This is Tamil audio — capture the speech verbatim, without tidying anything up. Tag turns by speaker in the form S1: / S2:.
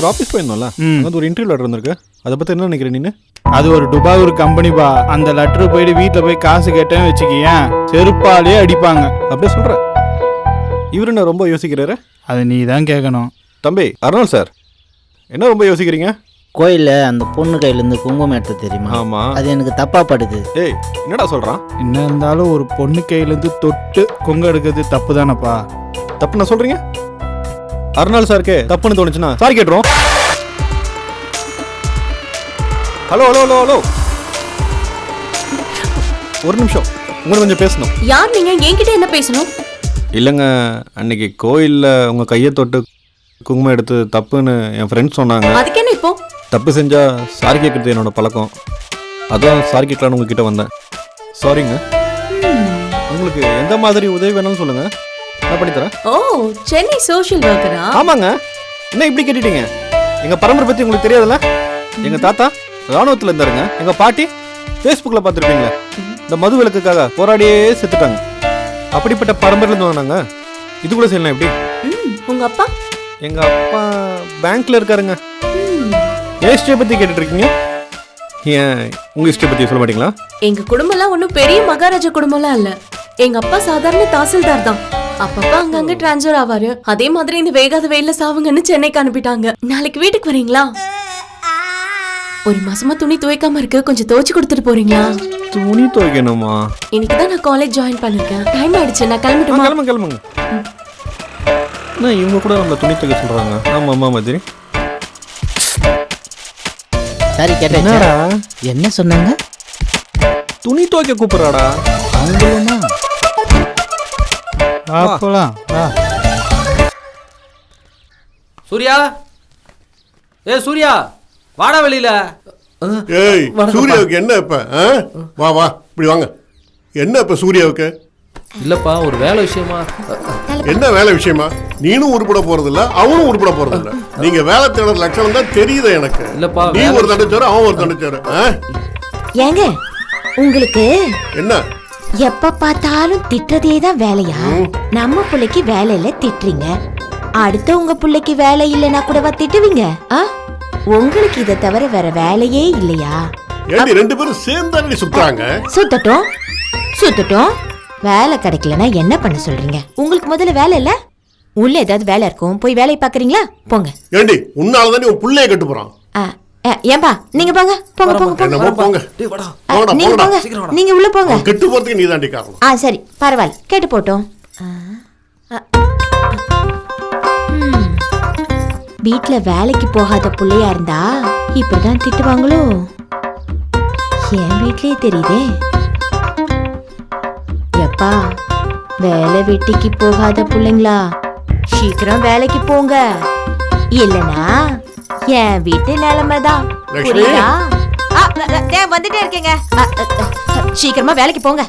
S1: ஒரு ஆஃபீஸ் போயிருந்தோம்ல, அது ஒரு இன்டர்வியூ லெட்டர் இருந்திருக்கு. அதை பற்றி என்ன நினைக்கிறேன் நீ?
S2: அது ஒரு துபாய் ஒரு கம்பெனிப்பா. அந்த லெட்டர் போயிட்டு வீட்டில் போய் காசு கேட்டேன்னு வச்சுக்கியேன், செருப்பாலே அடிப்பாங்க.
S1: அப்படியே சொல்கிற. இவர் என்ன ரொம்ப யோசிக்கிறாரு?
S2: அதை நீ தான் கேட்கணும்.
S1: தம்பி அருணாள் சார், என்ன ரொம்ப யோசிக்கிறீங்க?
S3: கோயிலில் அந்த பொண்ணு கையிலேருந்து குங்குமம் எடுத்து தெரியுமா?
S1: ஆமாம்.
S3: அது எனக்கு தப்பாக படுது.
S1: ஏய் என்னடா சொல்கிறான்?
S2: என்ன இருந்தாலும் ஒரு பொண்ணு கையிலேருந்து தொட்டு குங்கு எடுக்கிறது தப்பு தானப்பா.
S1: தப்பு நான் சொல்கிறீங்க? அருணாள் சாருக்கு தப்புன்னு தோணுச்சுன்னா சாரி கேட்டுரும். ஹலோ ஹலோ ஹலோ ஹலோ ஒரு நிமிஷம், உங்களுக்கு கொஞ்சம் பேசணும்.
S4: யார் நீங்க? என்கிட்ட என்ன பேசணும்?
S1: இல்லைங்க, அன்னைக்கு கோயிலில் உங்கள் கையை தொட்டு குங்குமம் எடுத்து தப்புன்னு என் ஃப்ரெண்ட்ஸ் சொன்னாங்க.
S4: அதுக்கு என்ன இப்போ?
S1: தப்பு செஞ்சால் சாரி கேட்குறது என்னோட பழக்கம். அதான் சாரி கேட்கலான்னு உங்ககிட்ட வந்தேன். சாரிங்க. உங்களுக்கு எந்த மாதிரி உதவி வேணும்னு சொல்லுங்கள், நான் பண்ணித்தரேன்.
S4: ஓ, சென்னை சோஷியல் ஒர்க்கரா?
S1: ஆமாங்க. என்ன இப்படி கேட்டுட்டீங்க? எங்கள் பரம்பரை பற்றி உங்களுக்கு தெரியாதுல்ல? எங்கள் தாத்தா ராணுவத்தில் இருந்தாருங்க. எங்கள் பாட்டி ஃபேஸ்புக்கில் பார்த்துருப்பீங்களே, இந்த மது விலக்குக்காக போராடியே செத்துட்டாங்க. அப்படிப்பட்ட பரம்பரையிலேருந்து வந்தாங்க. இது கூட செய்யலாம் எப்படி?
S4: உங்க அப்பா?
S1: எங்கள் அப்பா பேங்க்கில் இருக்காருங்க. ஏன் ஹிஸ்ட்ரியை பற்றி கேட்டுட்டு இருக்கீங்க? ஏன் உங்கள் ஹிஸ்ட்ரி பற்றி சொல்ல மாட்டீங்களா?
S4: எங்க குடும்பம்லாம் ஒன்றும் பெரிய மகாராஜா குடும்பம்லாம் இல்ல. எங்க அப்பா சாதாரண தாசில்தார் தான். அப்பப்பா அங்கங்க டிரான்ஸ்ஃபர் ஆவாரு. அதே மாதிரி இந்த வேகாத வெயில சாவுங்கன்னு சென்னைக்கு அனுப்பிட்டாங்க. நாளைக்கு வீட்டுக்கு வரீங்களா? ஒரு மாசமா துணி துவைக்காம இருக்கு, கொஞ்சம் துவைச்சு கொடுத்துட்டு போறீங்களா?
S1: துணி துவைக்கணுமா?
S4: இன்னைக்கு தான் நான் காலேஜ் ஜாயின் பண்ணிருக்கேன். டைம் ஆயிடுச்சு, நான் கிளம்பிட்டுமா?
S1: கிளம்புங்க கிளம்புங்க. இவங்க கூட நம்மள துணி துவைக்க சொல்றாங்க. ஆமா அம்மா மாதிரி.
S3: சரி கேட்டா என்ன சொன்னாங்க?
S1: துணி துவைக்க கூப்பிடுறாடா.
S3: அவங்களுமா?
S2: வா போலாம் வா.
S5: சூர்யா, ஏ சூர்யா, வாடா வெளியில.
S6: ஏய் சூர்யாவுக்கு என்ன இப்ப? வா வா இப்படி வாங்க. என்ன இப்ப சூர்யாவுக்கு?
S5: இல்லப்பா, ஒரு வேலை விஷயமா.
S6: என்ன வேலை விஷயமா? நீனும் உருப்பட போறது இல்ல, அவனும் உருப்பட போறது இல்ல. நீங்க வேலை தேடுற லட்சணம் தான் தெரியுது எனக்கு.
S5: இல்லப்பா,
S6: நீ ஒரு தண்டச்சாரு, அவன் ஒரு தண்டச்சாரு.
S7: ஏங்க உங்களுக்கு
S6: என்ன
S7: எப்ப பார்த்தாலும் திட்டுறதே தான் வேலையா? நம்ம பிள்ளைக்கு வேலை இல்ல திட்டுறீங்க, அடுத்த உங்க பிள்ளைக்கு வேலை இல்லைன்னா கூடவா திட்டுவீங்க? உங்களுக்கு இதை தவிர வேற வேலையே இல்லையா?
S6: ஏண்டி ரெண்டு பேரும் சேர்ந்தாடி சுத்துறாங்க?
S7: சுத்தட்டும் சுத்தட்டும். வேலை கிடைக்கலன்னா என்ன பண்ண சொல்றீங்க? உங்களுக்கு முதல்ல வேலை இல்ல, உள்ள ஏதாவது வேலை இருக்கும், போய் வேலையை பாக்குறீங்களா? போங்க.
S6: ஏண்டி உன்னாலதான் உன் பிள்ளைய கட்டு போறான்.
S7: ஏன்பா நீங்க போங்க போங்க போங்க போங்க. நீங்க போங்க, நீங்க உள்ள போங்க.
S6: கெட்டு போறதுக்கு நீ தாண்டி காரணம்.
S7: ஆ சரி பரவாயில்ல, கேட்டு போட்டோம். வீட்டுல வேலைக்கு போகாத புள்ளையா இருந்தா இப்பதான் திட்டுவாங்களோ? என் வீட்லயே தெரியுதே. எப்பா வேலை வெட்டிக்கு போகாத புள்ளைங்களா, சீக்கிரம் வேலைக்கு போங்க, இல்லனா என் வீட்டு நிலைமைதான். வந்துட்டே இருக்கீங்க, சீக்கிரமா வேலைக்கு போங்க.